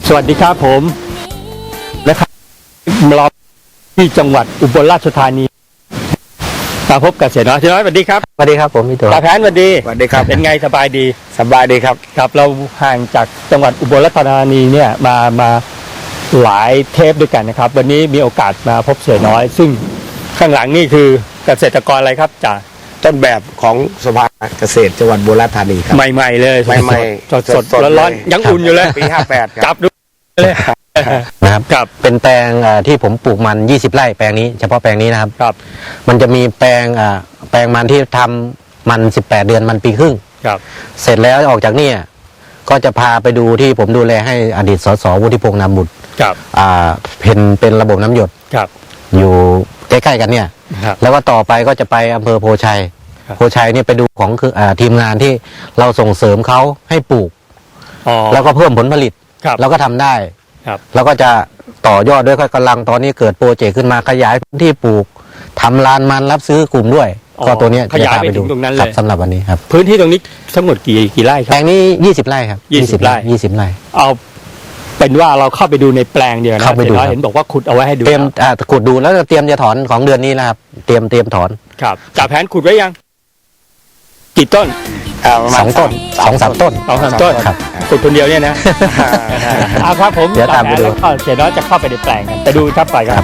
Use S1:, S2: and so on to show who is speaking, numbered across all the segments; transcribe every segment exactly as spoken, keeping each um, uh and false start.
S1: สวัสดีครับผมนะครับเราที่จังหวัดอุบลราชธานีมาพบกับเสียน้อยเสียน้อยสวัสดีครับ
S2: สวัสดีครับผมพี่ตัว
S1: ตาแผนสวัสดี
S2: สวัสดีครับ
S1: เป็นไงสบายดี
S2: สบายดีครับ
S1: ครับเราห่างจากจังหวัดอุบลราชธานีเนี่ยมามาหลายเทปด้วยกันนะครับวันนี้มีโอกาสมาพบเสียน้อยซึ่งข้างหลังนี่คือเกษตรกรอะไรครับจ่า
S2: ต้นแบบของสภาเกษตรจังหวัดอุบลราชธานีครับ
S1: ใหม่ๆเลย
S2: ใหม่ๆ
S1: สดสดร้อนๆยังอุ่นอยู่เลย
S2: ปีห้าแปดครับ
S1: จับดูเลย
S3: นะครับครับเป็นแปลงที่ผมปลูกมันยี่สิบไร่แปลงนี้เฉพาะแปลงนี้นะครับ
S1: ครับ
S3: มันจะมีแปลงแปลงมันที่ทำมันสิบแปดเดือนมันปีครึ่ง
S1: ครับ
S3: เสร็จแล้วออกจากนี่ก็จะพาไปดูที่ผมดูแลให้อดีตสสวุฒิพงษ์นามบุตร
S1: ครับ
S3: อ่าเป็นเป็นระบบน้ำหยด
S1: ครับ
S3: อยู่ใกล้ๆกันเนี่ยแล้วก็ต่อไปก็จะไปอำเภอโพชัยโพชัยนี่ไปดูของคืออ่าทีมงานที่เราส่งเสริมเขาให้ปลูกแล้วก็เพิ่มผลผลิตแล้วก็ทำได้แล้วก็จะต่อยอดด้วยกำลังตอนนี้เกิดโปรเจกต์ขึ้นมาขยายพื้นที่ปลูกทำลานมันรับซื้อกลุ่มด้วยก็ตัวนี้
S1: ขยายไปถึงตรงนั้นเลย
S3: สำหรับวันนี้ครับ
S1: พื้นที่ตรงนี้ทั้งหมดกี่กี่ไร่ครับ
S3: แปลงนี้ยี่สิบไร่ครับ
S1: ยี่สิบไร่
S3: ยี่สิบไร่
S1: เอาเป็นว่าเราเข้าไปดูในแปลงเดียวนะ
S3: เข้าไปดู
S1: เห็นบอกว่าขุดเอาไว้ให้ดู
S3: เตรียมขุดดูแล้วเตรียมจะถอนของเดือนนี้แล้วครับเตรียมเตรียมถอน
S1: ครับจ่าแผนขุดไว้ยังกี่ต้น
S3: สองต้นสองสามต้น
S1: สองสามต้น
S3: ครับ
S1: ขุดคนเดียวเนี่ยนะเอาครับผม
S3: เดี๋ยวตามไปดู
S1: เสียน้อยจะเข้าไปในแปลงกันไปดูครับไปครับ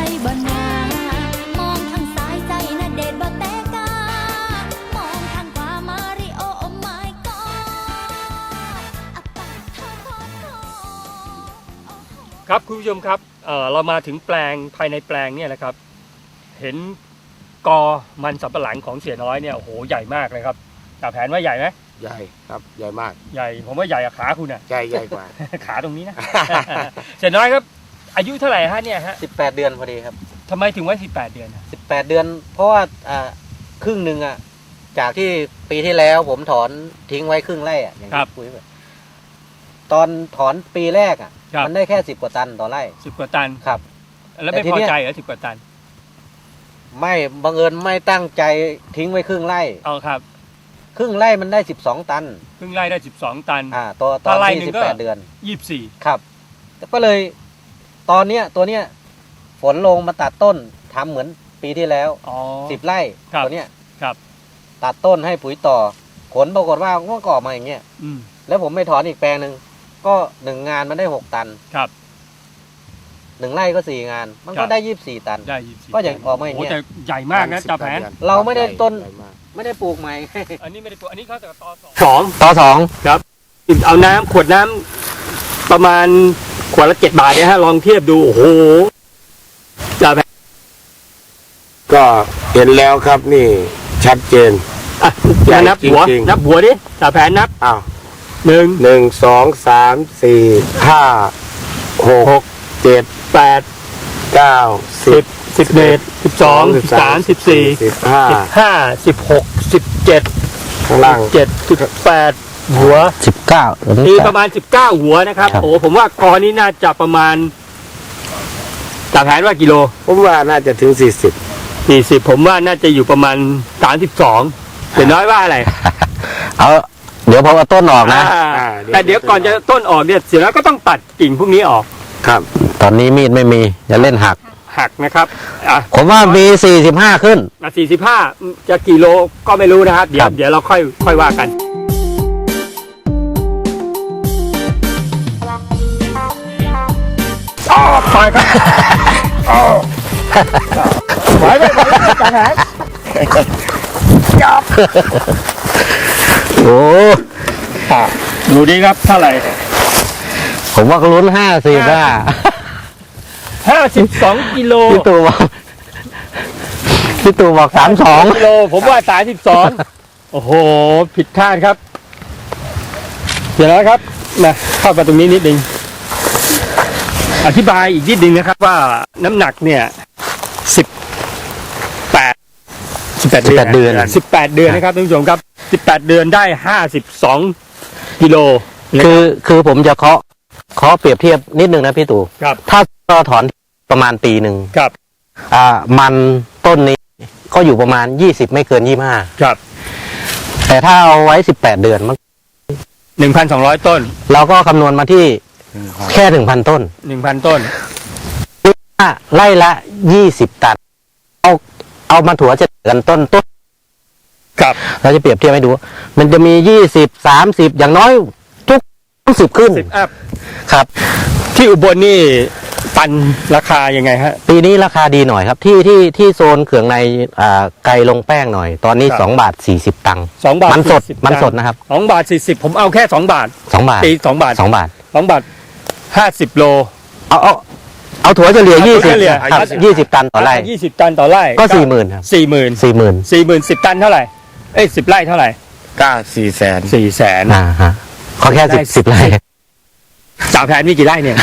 S1: ครับคุณผู้ชมครับ เอ่อเรามาถึงแปลงภายในแปลงเนี่ยนะครับเห็นกอมันสำปะหลังของเสียน้อยเนี่ยโอ้โหใหญ่มากเลยครับจ่าแผนว่าใหญ่ไหม
S2: ใหญ่ครับใหญ่มาก
S1: ใหญ่ผมว่าใหญ่กว่าขาคุณอ่ะ
S2: ใหญ่ใหญ่กว่า
S1: ขาตรงนี้นะ เสียน้อยครับอายุเท่าไหร่ฮะเนี่ยฮะ
S3: สิบแปดเดือนพอดีครับ
S1: ทำไมถึงไว้สิบแปดเดือน
S3: สิบแปดเดือนเพราะว่าอ่าครึ่งหนึ่งอ่ะจากที่ปีที่แล้วผมถอนทิ้งไว้ครึ่งไร่อ่ะอย่างที่คุยไปตอนถอนปีแรกอ่ะมันได้แค่สิบกว่าตันต่อไร่
S1: สิบกว่าตัน
S3: ครับ
S1: แล้วไม่พอใจเหรอสิบกว่าตัน
S3: ไม่บังเอิญไม่ตั้งใจทิ้งไว้ครึ่งไร่
S1: เอาครับ
S3: ครึ่งไร่มันได้สิบสองตัน
S1: ครึ่งไร่ได้สิบสองตัน
S3: อ่าตัวตอนที่สิบแปดเดือน
S1: ยี่สิบสี่
S3: ครับก็เลยตอนเนี้ยตัวเนี้ยฝนลงมาตัดต้นทำเหมือนปีที่แล้วสิบไร่ตัวเนี้ย
S1: ครับ
S3: ตัดต้นให้ปุ๋ยต่อผลปรากฏว่ามันก็ออกมาอย่างเงี้ยแล้วผมไม่ถอนอีกแปลงหนึ่งก็หนึ่งงานมันได้หกตัน
S1: ครับ
S3: หนึ่งไร่ก็สี่งานมันก็ได้ยี่สิบสี่ตัน
S1: ได้ยี่สิบสี่
S3: ก็อย่างออกมาอย่างเงี้ย
S1: ใหญ่มากนะจ่าแผน
S3: เราไม่ได้ต้นไม่ได้ปลูกใหม่
S1: อันนี้ไม่ได้ปลูกอันนี้เขาแต่ต่อ
S3: สองต่อสอง
S1: ครับเอาน้ำขวดน้ำประมาณขวดละเจ็ดบาทเนี่ยฮะลองเทียบดูโอ้โหจ่าแผน
S2: ก็เห็นแล้วครับนี่ชัดเจน
S1: อ่ะนับหัวนับหัวดิจ่าแผนนับ
S2: อ้าว
S1: หนึ่ง
S2: หนึ่งสองสามสี่ห้าหกเจ็ด
S1: แปด
S2: เก้าสิบ
S1: สิบเอ็ดสิบสองสิบสามสิบสี่
S2: สิบห้า
S1: สิบห้าสิบหกสิบเจ็ด
S2: ข้างล่าง
S1: เจ็ดสิบแปดหัว
S3: สิบเก้า
S1: มีประมาณสิบเก้าหัวนะครับโอ้ผมว่ากอนี้น่าจะประมาณจ่าแผนว่ากิโล
S2: ผมว่าน่าจะถึงสี่สิบ
S1: สี่สิบผมว่าน่าจะอยู่ประมาณสามสิบสองเดี๋ยวน้อยว่าอะไร
S3: เอาเดี๋ยวพอเอาต้นออกนะ
S1: แต่เดี๋ยวก่อนจะต้นออกเนี่ยเสร็จแล้วก็ต้องตัดกิ่งพวกนี้ออก
S2: ครับ
S3: ตอนนี้มีดไม่มีจะเล่นหัก
S1: หักนะครับ
S3: ผมว่ามีสี่สิบห้าขึ้น
S1: สี่สิบห้าจะกี่โลก็ไม่รู้นะครับเดี๋ยวเดี๋ยวเราค่อยค่อยว่ากันอ๋อไปครับอ๋อไปไปไปจังหวะจับ
S3: โอ้
S1: ดูดีครับเท่าไหร่
S3: ผมว่าเขาลุ้นห้าสิบอ่ะ
S1: ห้าสิบสองกิโล
S3: พี่ตู่บอกพี่ตู่บอกสามสอง
S1: กิโลผมว่าสามสิบสองโอ้โหผิดคาดครับเดี๋ยวนะครับมาเข้าไปตรงนี้นิดนึงอธิบายอีกนิดนึงนะครับว่าน้ำหนักเนี่ยสิบแปดสิบแปดเดือนสิบแปดเดือนนะครับท่านผู้ชมครับสิบแปดเดือนได้ห้าสิบสองกิโล
S3: คือคือผมจะเคาะเคาะเปรียบเทียบนิดนึงนะพี่ตู่ถ้าเราถอนประมาณปีหนึ่ง
S1: ครับ
S3: อ่ามันต้นนี้ก็อยู่ประมาณยี่สิบไม่เกินยี่สิบห้า
S1: ครับ
S3: แต่ถ้าเอาไว้สิบแปดเดือนมัน
S1: หนึ่งพันสองร้อยต้น
S3: เราก็คำนวณมาที่แค่หนึ่งพันต้น
S1: หนึ่งพันต้น
S3: ไร่ละยี่สิบตันเอาเอามาถั่วจะกันต้นต้น
S1: ครับ
S3: เราจะเปรียบเทียบให้ดู มันจะมียี่สิบสามสิบอย่างน้อยทุกสิบขึ้น
S1: สิบอัพ
S3: ครับ
S1: ที่อุบลนี่ตันราคายังไงฮะ
S3: ปีนี้ราคาดีหน่อยครับ ที่ที่ที่โซนเขืองในอ่าไกลลงแป้งหน่อย ตอนนี้
S1: ครับ
S3: สองบาทสี่สิบตังค์
S1: สองบาท
S3: มันสด
S1: สี่สิบ
S3: มันสด
S1: ตังค์
S3: นะครับ
S1: สองบาทสี่สิบผมเอาแค่สองบาท
S3: สองบาท
S1: ตีสองบาท
S3: สองบาท
S1: สองบาทห้าสิบโล
S3: เอาเอาเอาถั่วเฉลี่ย
S1: เอา
S3: ยี่
S1: ถั่
S3: สิ
S1: ว
S3: บ
S1: เฉลี่ย
S3: ครับยี่สิบตันต่อไร่
S1: ยี่สิบตันต่อไร่
S3: ก็สี่หมื่นครับ
S1: สี่หมื่น
S3: สี่หมื่น
S1: สี่หมื่นสิบตันเท่าไหร่เอ้ยสิบไร่เท่าไหร่
S2: ก้าสี่แสน
S1: สี่แสน
S3: อ่าฮะเขาแค่สิบสิบไร่
S1: สาวแผนมีกี่ไร่เนี่ย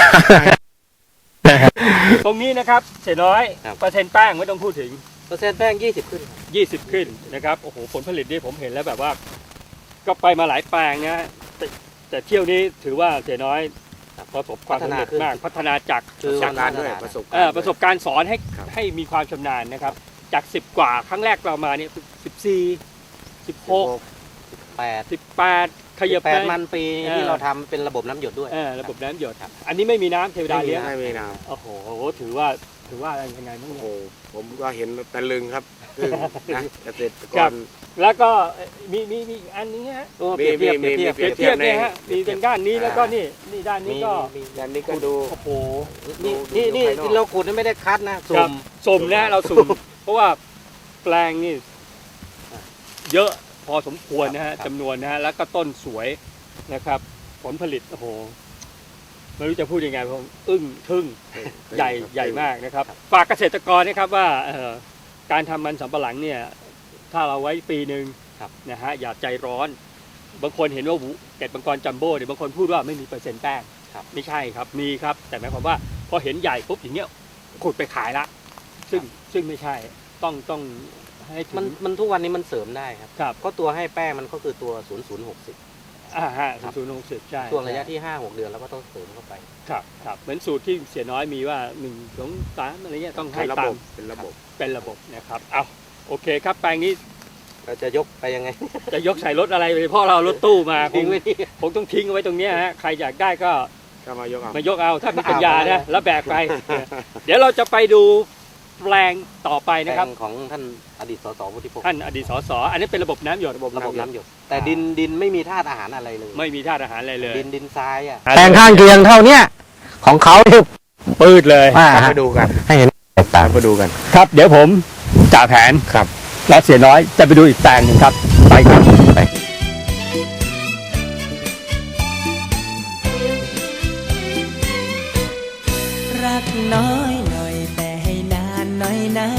S1: ตรงนี้นะครับเสียน้อย
S3: ครับ
S1: เปอร์เซ็นต์แป้งไม่ต้องพูดถึง
S3: เปอร์เซ็นต์แป้งยี่สิบขึ้น
S1: ยี่สิบขึ้นนะครับโอ้โหผลผลิตนี่ผมเห็นแล้วแบบว่า ก็ไปมาหลายแปลงนะแต่แต่เที่ยวนี้ถือว่าเสียน้อยประสบความสำเร็จมากพัฒนาจาก
S3: คือ
S2: จากการด้วยประสบ
S1: เอ่อประสบการณ์สอนให้
S2: ครับ
S1: ให้มีความชำนาญนะครับ จากสิบกว่าครั้งแรกเรามาเนี่ยสิบสี่สิบหก
S3: แปด
S1: สิบแปดขยับ
S3: แป
S1: ไป
S3: ดมันปี
S1: เออ
S3: ที่เราทำเป็นระบบน้ำหยดด้วย
S1: เออระบบน้ำหยดอันนี้ไม่มีน้ำเทวดาเลี้ยง
S2: ไม่มีน้
S1: โอ้โหถือว่าถือว่าอะไรยังไงบ้าง
S2: ำ
S1: เนี่ย
S2: โอ้ผมก็เห็นตะลึงครับคือนะเกษตรก
S1: ครั
S2: ร
S1: บ แล้วก็มีมีมีอีกอันนี้ฮะ
S3: โอ้เปรียบเทียบ
S2: มี
S3: เปรียบ
S2: มี
S3: เทียบ
S1: เปรียบเทียบเนี่ยฮะมีเป็นด้านนี้แล้วก็นี่นี่ด้านนี้ก็
S3: มี
S2: ยันนี้ก็ดู
S1: โอ้โห
S3: นี่
S2: ดู
S3: นี่
S2: ดู
S3: นี่
S2: ภายนอก
S3: เราขุดไม่ได้คัดนะ
S1: ค
S3: สุ่
S1: รับ
S3: ม
S1: สุ่มนะเราสุ่ม เพราะว่าแปลงนี่เยอะพอสมควรนะฮะจำนวนนะฮะแล้วก็ต้นสวยนะครับ ผลผลิตโอ้โหไม่รู้จะพูดยังไงผมอึ้งทึ่งใหญ่ใหญ่มากนะครับฝากเกษตรกรนะครับว่าเอ่อการทำมันสำปะหลังเนี่ย ถ้าเราไว้ปีหนึ่งนะฮะอย่าใจร้อน บางคนเห็นว่าเกล็ดมังกรจัมโบ้เนี่ยบางคนพูดว่าไม่มีเปอร์เซ็นต์แป้งไม่ใช่ครับมีครับแต่หมายความว่าพอเห็นใหญ่ปุ๊บอย่างเงี้ยขุดไปขายละซึ่งซึ่งไม่ใช่ต้องต้องให้ถึง
S3: มันมันทุกวันนี้มันเสริมได้ครับ
S1: ครับ
S3: ก็ตัวให้แป้งมันก็คือตัวศูนย์ศูนย์หกสิบ
S1: อ่าฮะ
S3: ครับ
S1: ศูนย์หกสิบใช่
S3: ช่วงระยะที่ห้าหกเดือนเราก็ต้องเสริมเข้าไป
S1: ครับครับเหมือนสูตรที่เสียน้อยมีว่าหนึ่งสองสามอะไรเงี้ยต้องให้
S2: เป็นระ
S1: ตา
S2: บ
S1: ม
S2: บเป็นระบบ
S1: เป็นระบบนะครับเอาโอเคครับแปลงนี้
S3: เราจะยกไปยังไง
S1: จะยกใส่รถอะไรไปเพราะเรารถตู้มาค
S3: ทิ้
S1: ง
S3: งไว้ที่
S1: คงต้องทิ้งเอาไว้ตรงเนี้ยฮะใครอยากได้ก็
S2: ก็มายกเอา
S1: มายกเอาถ้ามีปัญญา
S3: เอาไป
S1: นะแล้วแบกไป เดี๋ยวเราจะไปดูแปลงต่อไป
S3: แปล
S1: นะครับ
S3: งของท่านอดีตสสวุฒิพงศ์
S1: ท่านอดีตสสอันนี้เป็นระบบน้ำหยด
S3: ระบบน้ำหยดแต่ดินดินไม่มีธาตุอาหารอะไรเลย
S1: ไม่มีธาตุอาหารอะไรเลย
S3: ดินดินทรายอ่ะ
S1: อ่า
S3: แปลงข้างเคียงเท่าเนี้ยของเขาเนี่ย
S1: ปืดเลย
S3: ว่า
S2: ตามไปดูกัน
S3: ให้เห็นแตกต่าง
S2: ตามไปดูกัน
S1: ครับ เดี๋ยวผมจ่าแผน
S2: ครับ
S1: และเสียน้อยจะไปดูอีกแปลงหนึ่งครับไปครับไป
S4: รักน้อย